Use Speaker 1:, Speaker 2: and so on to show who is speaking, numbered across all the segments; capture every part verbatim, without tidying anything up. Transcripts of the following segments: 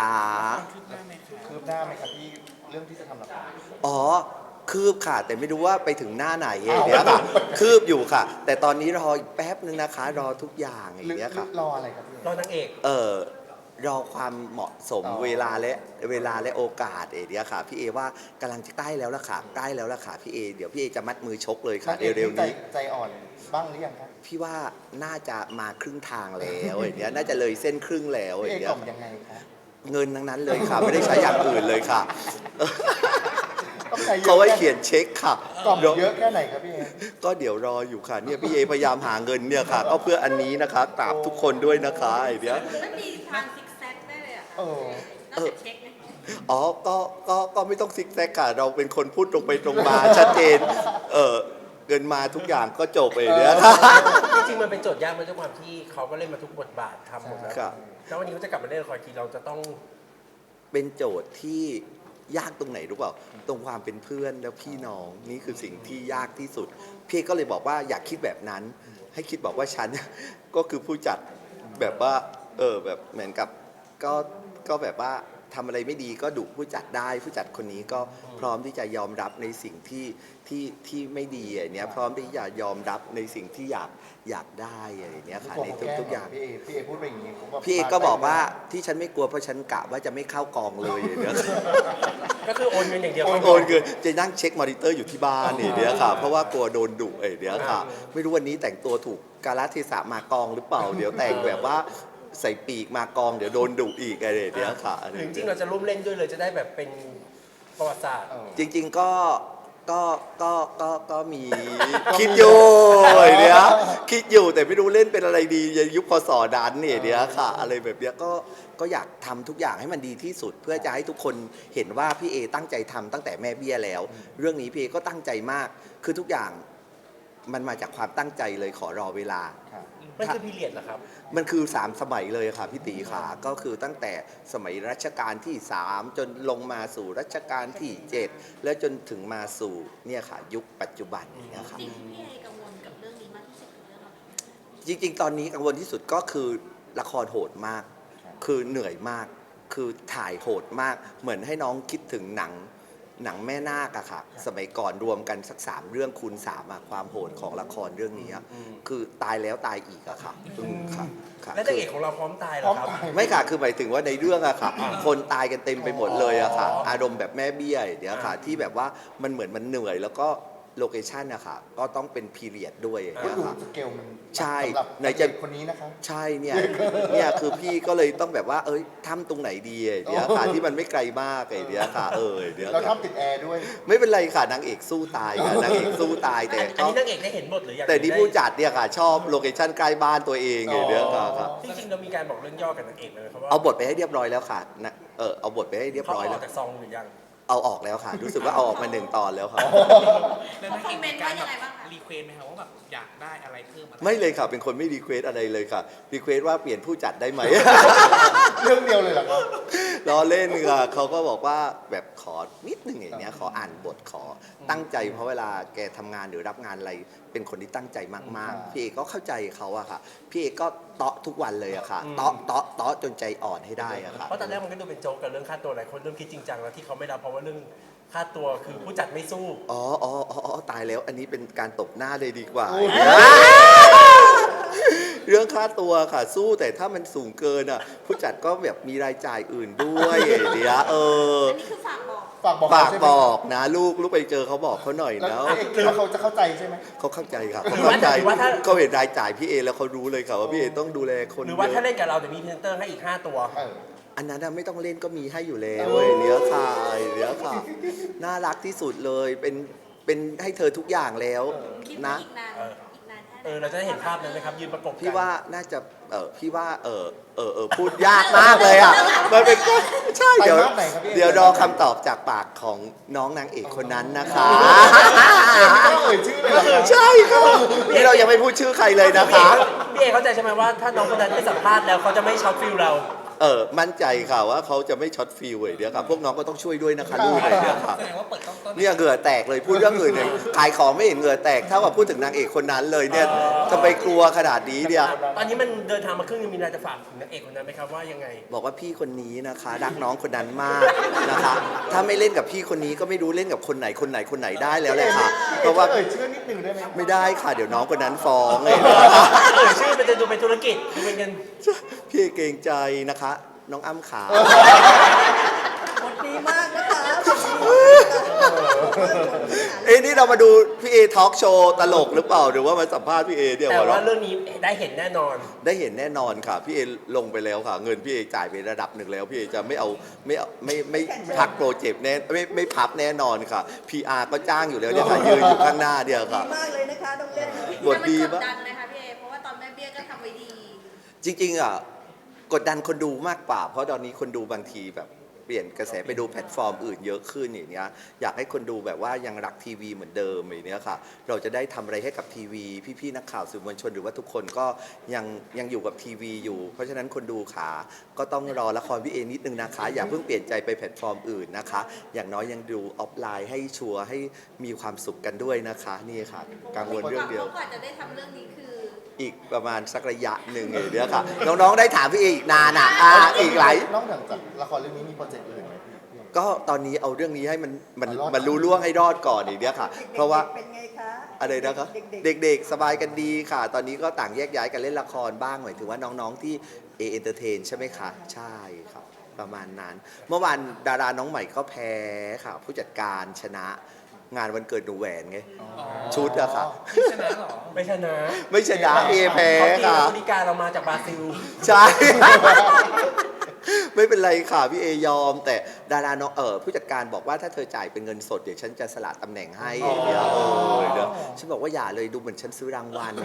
Speaker 1: คะ
Speaker 2: คืบหน้าไหมครับคืบหน้าไหมครับที่เรื่องที่จะทำละคร
Speaker 1: อ๋อคืบค่ะแต่ไม่รู้ว่าไปถึงหน้าไหนอย่างเงี้ยค่ะคืบอยู่ค่ะ แต่ตอนนี้รออีกแป๊บนึงนะคะรอทุกอย่างอย่างเงี้ยค่ะ
Speaker 2: รออะไรครับพี่
Speaker 3: รอนางเอก
Speaker 1: เออรอความเหมาะสมเวลาและเวลาและโอกาสเอเดียค่ะพี่เอว่ากำลังจะใกล้แล้วล่ะค่ะใกล้แล้วล่ะค่ะพี่เอเดี๋ยวพี่เอจะมัดมือชกเลยค่ะเร็วๆนี้
Speaker 2: ใจอ่อนบ้างหรือยังครับ
Speaker 1: พี่ว่าน่าจะมาครึ่งทางแล้วอย่างเงี้ยน่าจะเลยเส้นครึ่งแล้วอ
Speaker 2: พี่เอ
Speaker 1: ย่างเงี้ย
Speaker 2: กล่อมยังไงครับ
Speaker 1: เงินทั้งนั้นเลยค่ะไม่ได้ใช้อย่างอื่นเลยค่ะ
Speaker 2: ต้องใจเยอะ
Speaker 1: เขาให้เขียนเช็คค่ะ
Speaker 2: กล่อมเยอะแค่ไหนครับพี่เอ
Speaker 1: ก็เดี๋ยวรออยู่ค่ะเนี่ยพี่เอพยายามหาเงินเนี่ยค่ะก็เพื่ออันนี้นะคะกราบทุกคนด้วยนะคะไอเดีย
Speaker 4: ไม่มีทางซิกแซกได้เลยอ่ะ
Speaker 2: เออ
Speaker 4: นอกจากเช็คไหม
Speaker 1: อ๋อก็ก็ก็ไม่ต้องซิกแซกค่ะเราเป็นคนพูดตรงไปตรงมาชัดเจนเออเงินมาทุกอย่างก็จบไปเนี่ย
Speaker 3: จริงๆมันเป็นโจทย์ยากมันด้วยความที่เขาก็เล่นมาทุกบทบาททำหมดแล้ว
Speaker 1: ครับ
Speaker 3: แล้ววันนี้เขาจะกลับมาเล่นละครทีเราจะต้อง
Speaker 1: เป็นโจทย์ที่ยากตรงไหนรู้เปล่าตรงความเป็นเพื่อนแล้วพี่น้องนี่คือสิ่งที่ยากที่สุดพี่ก็เลยบอกว่าอยากคิดแบบนั้นให้คิดบอกว่าฉัน ก็คือผู้จัดแบบว่าเออแบบเหมือนกับก็ก็แบบว่าทำอะไรไม่ดีก็ดุผู้จัดได้ผู้จัดคนนี้ก็พร้อมที่จะยอมรับในสิ่งที่ที่ที่ไม่ดีอย่างเนี้ยพร้อมที่จะยอมรับในสิ่งที่อยากอยากได้อะไรอย่างเนี้ยค่ะในทุกทุกอย่าง
Speaker 2: พี่เอพี่เอพูดไปอย่างนี้ผม
Speaker 1: พี่เอกก็บอกว่าที่ฉันไม่กลัวเพราะฉันกะว่าจะไม่เข้ากองเลยอย่างเนี้ย
Speaker 3: ก็คือโอนเงินอย่างเดียว
Speaker 1: โอนคือจะนั่งเช็คมอนิเตอร์อยู่ที่บ้านอย่างเนี้ยค่ะเพราะว่ากลัวโดนดุไอ้เนี้ยค่ะไม่รู้วันนี้แต่งตัวถูกกาลเทศะมากองหรือเปล่าเดี๋ยวแต่งแบบว่าใส่ปีกมากองเดี๋ยวโดนดุอีกอะไรอย่างเนี้ยค่ะ
Speaker 3: หรือจริงๆเราจะร่วมเล่นด้วยเลยจะได้แบบเป็นประวัติศาสตร์
Speaker 1: จริงๆก็ก็ก็ก็ก็มีคิดอยู่ไอ้เนี้ยคิดอยู่แต่ไม่รู้เล่นเป็นอะไรดียุคพศดันเนี่ยเนี้ยค่ะอะไรแบบเนี้ยก็ก็อยากทำทุกอย่างให้มันดีที่สุด เพื่อจะให้ทุกคนเห็นว่าพี่เอตั้งใจทำตั้งแต่แม่เบี้ยแล้ว เรื่องนี้พี่เอก็ตั้งใจมากคือทุกอย่างมันมาจากความตั้งใจเลยขอรอเวลา
Speaker 3: มันคือพีเรียดเหรอครับ
Speaker 1: มันคือสามสมัยเลยค่ะพี่ตีขาก็คือตั้งแต่สมัยรัชกาลที่สามจนลงมาสู่รัชกาลที่เจ็ดแล้วจนถึงมาสู่เนี่ยค่ะยุคปัจจุบันเนี่ยค่ะ
Speaker 4: สิ่งที่พี่เอกังวลกับเรื่องนี้มากที่สุดคือเรื่องอะไร
Speaker 1: จริงๆ ตอนนี้กังวลที่สุดก็คือละครโหดมาก คือเหนื่อยมาก คือถ่ายโหดมาก เหมือนให้น้องคิดถึงหนังหนังแม่นาคอะค่ะ สมัยก่อนรวมกันสักสามเรื่องคูณสามอะความโหดของละครเรื่องนี้อะคือตายแล้วตายอีกอะค่ะอืมค่ะค่ะ
Speaker 3: แล้วนางเอกของเราพร้อมตายเหรอครับ
Speaker 1: ไม่ค่ะ คือหมายถึงว่าในเรื่องอะค่ะ คนตายกันเต็มไปหมดเลยอะค่ะ อารมณ์แบบแม่เบี้ยเดี๋ยวค่ะ ที่แบบว่ามันเหมือนมันเหนื่อยแล้วก็โลเคชันอะค่ะ ก็ต้องเป็นพีเรียดด้วยอย่าง
Speaker 2: ก็
Speaker 1: เงี้ย
Speaker 2: ดู
Speaker 1: ค่ะ
Speaker 2: สเกลมัน
Speaker 1: ใช่
Speaker 2: สำหรับ
Speaker 1: ไหนจะ
Speaker 2: เด็กคนนี้นะคะ
Speaker 1: ใช่เนี่ย เนี่ยคือพี่ก็เลยต้องแบบว่า เอ้ยทำตรงไหนดีไอ้เดี๋ยวค่ะที่มันไม่ไกลมากไอ้เดี๋ยวค่ะ เออไอ้เดี๋ยว
Speaker 2: เรา
Speaker 1: ค่ะ
Speaker 2: ทำติดแอร์ด้วย
Speaker 1: ไม่เป็นไรค่ะนางเอกสู้ตายค่ะนางเอกสู้ตายแต่
Speaker 3: อัน
Speaker 1: ก็
Speaker 3: นี้นางเอกได้เห็นบทหรือยัง
Speaker 1: แต่ที่ผู้จัดเนี่ยค่ะ ชอบโลเคชั่นใกล้บ้านตัวเองไอ้เดี๋ยวค่ะค่ะ
Speaker 3: จริงๆเรามีการบอกเรื่องย่อกับนางเอกเลยครับว่า
Speaker 1: เอาบทไปให้เรียบร้อยแล้วค่ะนะเออเอาบทไปให้เรียบ
Speaker 3: เขา
Speaker 1: ร้อย
Speaker 3: อ
Speaker 1: แล้
Speaker 3: อ
Speaker 1: ว
Speaker 3: กจากซองหรือยัง
Speaker 1: เอาออกแล้วค่ะ รู้สึกว่าเอาออกมาหนึ่งตอนแล้วค่ะ
Speaker 4: เขาคอมเมนต์ว่ายังไงบ้างคะ
Speaker 2: รีเควสไหมครับว่าแบบอยากได้อะไรเพิ่มอะไร
Speaker 1: ไม่เลยค่ะ เป็นคนไม่รีเควสอะไรเลยค่ะรีเควสว่าเปลี่ยนผู้จัดได้ไหม
Speaker 2: เรื่องเดียวเลยเหรอครับ
Speaker 1: ล้อเล่นค่ะเขาก็บอกว่าแบบขอนิดหนึ่งอย่างเนี้ยขออ่านบทขอตั้งใจเพราะเวลาแกทำงานหรือรับงานอะไรเป็นคนที่ตั้งใจมากๆพี่เอกก็เข้าใจเขาอะค่ะพี่เอกก็เตาะทุกวันเลยอะค่ะเตาะเตาะเตาะจนใจอ่อนให้ได้อะค่ะ
Speaker 3: เพราะตอนแรกมันก็ดูเป็นโจ๊กกับเรื่องค่าตัวหลายคนเริ่มคิดจริงจังแล้วที่เขาไม่รับเพราะว่าเรื่องค่าตัวคือผู้จัดไม่สู้
Speaker 1: อ๋ออ๋ออ๋อตายแล้วอันนี้เป็นการตบหน้าเลยดีกว่า
Speaker 2: โอ้ย
Speaker 1: เรื่องค่าตัวค่ะสู้แต่ถ้ามันสูงเกินอ่ะผู้จัดก็แบบมีรายจ่ายอื่นด้วยเดี๋ยวเออ
Speaker 4: อันนี้คือฝากบอก
Speaker 2: ฝากบอก
Speaker 1: ฝาก
Speaker 2: ใช่ไหม
Speaker 1: บอกนะลูกลูกไปเจอเขาบอกเขาหน่อย
Speaker 2: แล้ว
Speaker 1: นะ
Speaker 2: เอกแล้วเขาจะเข้าใจใช่ไหม
Speaker 1: เขาเข้าใจค่ะเขาเข้าใจเขาเห็นรายจ่ายพี่เอแล้วเขารู้เลยค่ะว่าพี่เอต้องดูแลคน
Speaker 3: หรือ
Speaker 1: เย
Speaker 3: ว่าถ้า
Speaker 1: อะ
Speaker 3: เล่นกับเราเดี๋ยวมีพรีเซนเตอร์ให้อีกห้าตัว
Speaker 2: เออ
Speaker 1: อันนั้นน่ะไม่ต้องเล่นก็มีให้อยู่แล้ว
Speaker 2: โอ้
Speaker 1: เว้ยเนี้ยค่ะเนี้ยค่ะน่ารักที่สุดเลยเป็นเป็นให้เธอทุกอย่างแล้ว
Speaker 4: คิด
Speaker 1: นะ
Speaker 4: ว่าอีกนาน
Speaker 3: เออ
Speaker 4: อีกนานแค่ไหน
Speaker 3: เออเราจะได้เห็นภาพนั้นไหมครับยืนประกบกัน
Speaker 1: พี่ว่าน่าจะเออพี่ว่าเออเออเออพูดยากมากเลยอ่ะมันเป็นก็ใช่เดี๋ยว
Speaker 2: ไปภาพไหนครับพี่
Speaker 1: เดี๋ยวรอคำตอบจากปากของน้องนางเอกคนนั้นนะคะ
Speaker 2: ไม่ต้องเอ่ยชื่อเลยเหรอครับ
Speaker 1: ใช่ค่ะนี่เรายังไม่พูดชื่อใครเลยนะคะ
Speaker 3: พี่เอเข้าใจใช่ไหมว่าถ้าน้องคนนั้นไม่สัมภาษณ์แล้วเขาจะไม่ช็อตฟิลเรา
Speaker 1: เเออมั่นใจค่ะว่าเขาจะไม่ช็อตฟิลเลยเดี๋ยวค่ะพวกน้องก็ต้องช่วยด้วยนะคะลูกเลยเดี๋ยวค่ะ
Speaker 5: แสดงว่าเปิดกล้องต้น
Speaker 1: เนี่ยเหงื่อแตกเลยพูดเรื่องอื่นเลยขายของไม่เห็นเหงื่อแตกเท่ากับพูดถึงนางเอกคนนั้นเลยเนี่ยทำไมกลัวขนาดนี้เนี่ย
Speaker 3: ตอนนี้มันเดินทางมาครึ่งนึงมีอะไรจะฝากถึงนางเอกคนนั้นไหมครับว่ายังไง
Speaker 1: บอกว่าพี่คนนี้นะคะรักน้องคนนั้นมากนะคะ ถ้าไม่เล่นกับพี่คนนี้ก็ไม่รู้เล่นกับคนไหนคนไหนคนไหนได้แล้วแหละค่ะ เพราะว่า
Speaker 2: เอ่ยชื่อนิดนึงได้ไหม
Speaker 1: ไม่ได้ค่ะเดี๋ยวน้องคนนั้นฟ้องเลย
Speaker 3: เอ่ยชื่อมันจะดูเป็นธุรกิจดูเป็นเงิน
Speaker 1: พี่เกรงใจนะคะ น้องอ้ำขา
Speaker 6: บทดีมากนะคะบทดี
Speaker 1: เอ้นี่เรามาดูพี่เอทอล์กโชว์ตลกหรือเปล่าหรือว่ามาสัมภาษณ์พี่เอเนี่ย
Speaker 3: แต่
Speaker 1: หัว
Speaker 3: ว่า
Speaker 1: เราะ
Speaker 3: เรื่องนี้ได้เห็นแน่นอน
Speaker 1: ได้เห็นแน่นอนค่ะ พี่เอลงไปแล้วค่ะ เงินพี่เอจ่ายไประดับหนึ่งแล้ว พี่เอจะไม่เอาไม่เอาไม่ไม่พักโปรเจกต์แน่ไม่ไม่พับแน่นอนค่ะ พี อาร์ ก็จ้างอยู่แล้วเนี่ยค่ะยืนอยู่ข้างหน้าเดียว
Speaker 6: ดี
Speaker 1: ค่ะ
Speaker 6: มากเลยนะคะน้องเล่น
Speaker 1: บทดี
Speaker 4: แต่มันก
Speaker 1: ปะ
Speaker 4: ดดันเลยค่ะพี่เอเพราะว่าตอนแม่เบี้ยก็ทำไว้ดี
Speaker 1: จริงๆอ่ะกดดันคนดูมากกว่า เพราะตอนนี้คนดูบางทีแบบเปลี่ยนกระแสไปดูแพลตฟอร์มอื่นเยอะขึ้นอย่างเนี้ยอยากให้คนดูแบบว่ายังรักทีวีเหมือนเดิมอย่างเนี้ยค่ะ เราจะได้ทำอะไรให้กับทีวี พี่ๆนักข่าวสื่อมวลชนหรือว่าทุกคนก็ยังยังอยู่กับทีวีอยู่ เพราะฉะนั้นคนดูขาก็ต้องรอละครพี่เอนิดนึงนะคะ อย่าเพิ่งเปลี่ยนใจไปแพลตฟอร์มอื่นนะคะ อย่างน้อยยังดูออฟไลน์ให้ชัวร์ให้มีความสุขกันด้วยนะคะนี่ค่ะกังวลเรื่องเดียว
Speaker 4: พราะกว่าจะได้ทำเรื่องนี้คือ
Speaker 1: อีกประมาณสักระยะหนึ่งอย่างเนี้ยค่ะ น้องๆได้ถามพี่เออีกนานอ่ะอ่าอีกหลาย
Speaker 2: นอกจากละครเรื่องนี้มีโปรเจกต์อื่นไหมพี่
Speaker 1: ก็ตอนนี้เอาเรื่องนี้ให้มันมัน
Speaker 2: มันรอด
Speaker 1: มันรู้ล่วงให้รอดก่อนอย่างเนี้ยค่ะ เพราะว่า
Speaker 6: เป็นไงคะ
Speaker 1: อะไรนะครับ
Speaker 6: เด็ก
Speaker 1: เด็กๆสบายกันดีค่ะ ตอนนี้ก็ต่างแยกย้ายกันเล่นละครบ้างหมายถึงว่าน้องๆที่เอเอนเตอร์เทนใช่ไหมคะใช่ครับประมาณนั้น เมื่อวานดาราน้องใหม่ก็แพ้ค่ะ ผู้จัดการชนะงานวันเกิดหนูแหวนไงชุดอะค่ะ
Speaker 5: ไม่ชนะหรอ
Speaker 3: ไม่ชนะ
Speaker 1: ไม่ชนะเอแพ้
Speaker 3: เขาตี
Speaker 1: ค่ะ
Speaker 3: บริการเรามาจากบราซิล
Speaker 1: ใช่ ไม่เป็นไรค่ะพี่เอยอม แต่ดาราน้องเออผู้จัดการบอกว่าถ้าเธอจ่ายเป็นเงินสดเดี๋ยวฉันจะสละตำแหน่งให้เดี๋ยวเออเดี๋ยวฉันบอกว่าอย่าเลยดูเหมือนฉันซื้อรางวัล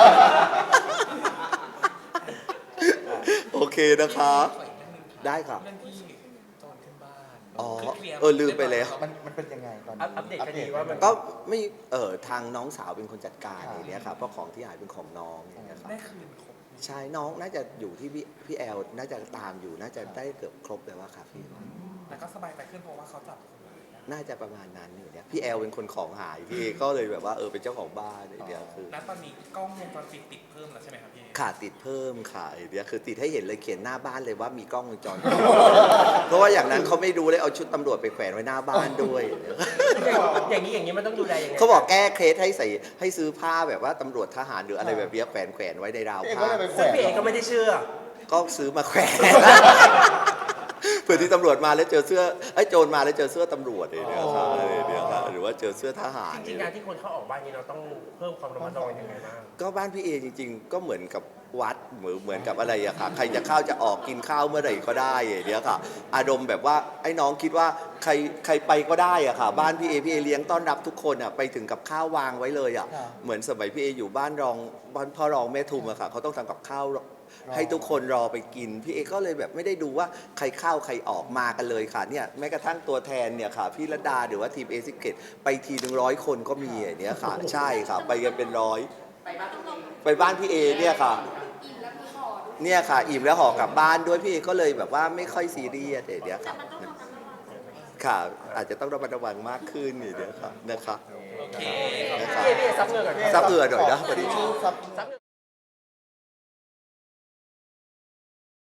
Speaker 1: โอเคนะคะ
Speaker 5: ขออีกเรื่องหนึงค่ะ
Speaker 1: ได้ค่ะ
Speaker 5: เรื่องที่โจรขึ้นบ้าน
Speaker 1: อ๋อ
Speaker 5: คือคลียร์
Speaker 1: เออลืมไปแล้ว
Speaker 2: มันมันเป็นยังไงตอนนี้
Speaker 3: อัปอัปเดตคดีว่ามัน
Speaker 1: ก็ไม่เออทางน้องสาวเป็นคนจัดการอย่างเนี้ยค่ะเพราะของที่หายเป็นของน้องอย่างเงี้ยครับ
Speaker 5: ได้คืนครบ
Speaker 1: ใช่น้องน่าจะอยู่ที่พี่พี่แอลน่าจะตามอยู่น่าจะได้เกือบครบแล้วว่าค่ะพี่
Speaker 5: แล้วก็สบายใจขึ้นเพราะว่าเขาจับคนร้ายได้
Speaker 1: น่าจะประมาณนั้นอยู่เนี่ยพี่แอลเป็นคนของหายพี่เอก็เลยแบบว่าเออเป็นเจ้าของบ้านไอเดียคือ
Speaker 5: แล้วตอนนี้กล้องวงจรปิดติดเพิ่มแล้วใช่ไหมครับพี่เอ
Speaker 1: ขาดติดเพิ่มค่ะไอเดียคือติดให้เห็นเลยเขียนหน้าบ้านเลยว่ามีกล้องวงจรปิด เพราะว่าอย่างนั้นเขาไม่รู้เลยเอาชุดตำรวจไปแขวนไว้หน้าบ้านด้วย
Speaker 3: อย่างนี้อย่างนี้มันต้องดูแลยังไง
Speaker 1: เขาบอกแก้เคสให้ใส่ให้ซื้อผ้าแบบว่าตำรวจทหารหรืออะไรแบบเนี้ยแขวนแขวนไว้ในราว
Speaker 2: พี่เอก็
Speaker 1: ผ้า
Speaker 2: เลยไปแขว
Speaker 3: ซึ่ง
Speaker 2: น
Speaker 3: พี่เอก็ไม่ได้เชื่อ
Speaker 1: ก็ซื้อมาแขวน เผื่อที่ตำรวจมาแล้วเจอเสื้อไอ้ยโจรมาแล้วเจอเสื้อตำรวจอะไรเนี่ยค่ะอะไรเนี่ยค่ะหรือว่าเจอเสื้อทหาร
Speaker 3: จริงๆการที่คนเข้าออกบ้านนี้เราต้องเพิ่มความระมัดระวังยังไงบ้าง
Speaker 1: ก็บ้านพี่เอจริงๆ ก็เหมือนกับวัดเหมือนเหมือนกับอะไรอะค่ะ ใครจะเข้าจะออกกินข้าวเมื่อไหร่ก็ได้อย่างเนี้ยค่ะ อารมณ์แบบว่าไอ้น้องคิดว่าใครใครไปก็ได้อะค่ะ บ้านพี่เอพี่เอเลี้ยงต้อนรับทุกคนอะไปถึงกับข้าววางไว้เลยอะเหมือนสมัยพี่เออยู่บ้านรองบ้านพ่อรองแม่ทุมอะค่ะเขาต้องทำกับข้าวให้ทุกคนรอไปกินพี่เอก็เลยแบบไม่ได้ดูว่าใครเข้าใครออกมากันเลยค่ะเนี่ยแม้กระทั่งตัวแทนเนี่ยค่ะพี่ระดาหรือว่าทีมเอซิเกตไปทีหนึ่งร้อยคนก็มีอย่างเนี้ยค่ะ ใช่ค่ะ ไปกันเป็นร้อย ไปบ้านพี่เอเนี่ยค่ะ เนี่ยค่ะ อิ่มแล้วห่อกลับบ้านด้วยพี่เอก็เลยแบบว่าไม่ค่อยซีเรียสอย่างเดียวค่ะค่ะ อาจจะต้องระมัดระวังมากขึ้นอย่างเดียวค่ะนะคะ
Speaker 5: โอเค
Speaker 1: นะคะ
Speaker 3: พี่เอพี่เอซับเงินก่อน
Speaker 1: ซับเอือหน่อยนะพอดี
Speaker 2: ซับ
Speaker 3: ซับเงิน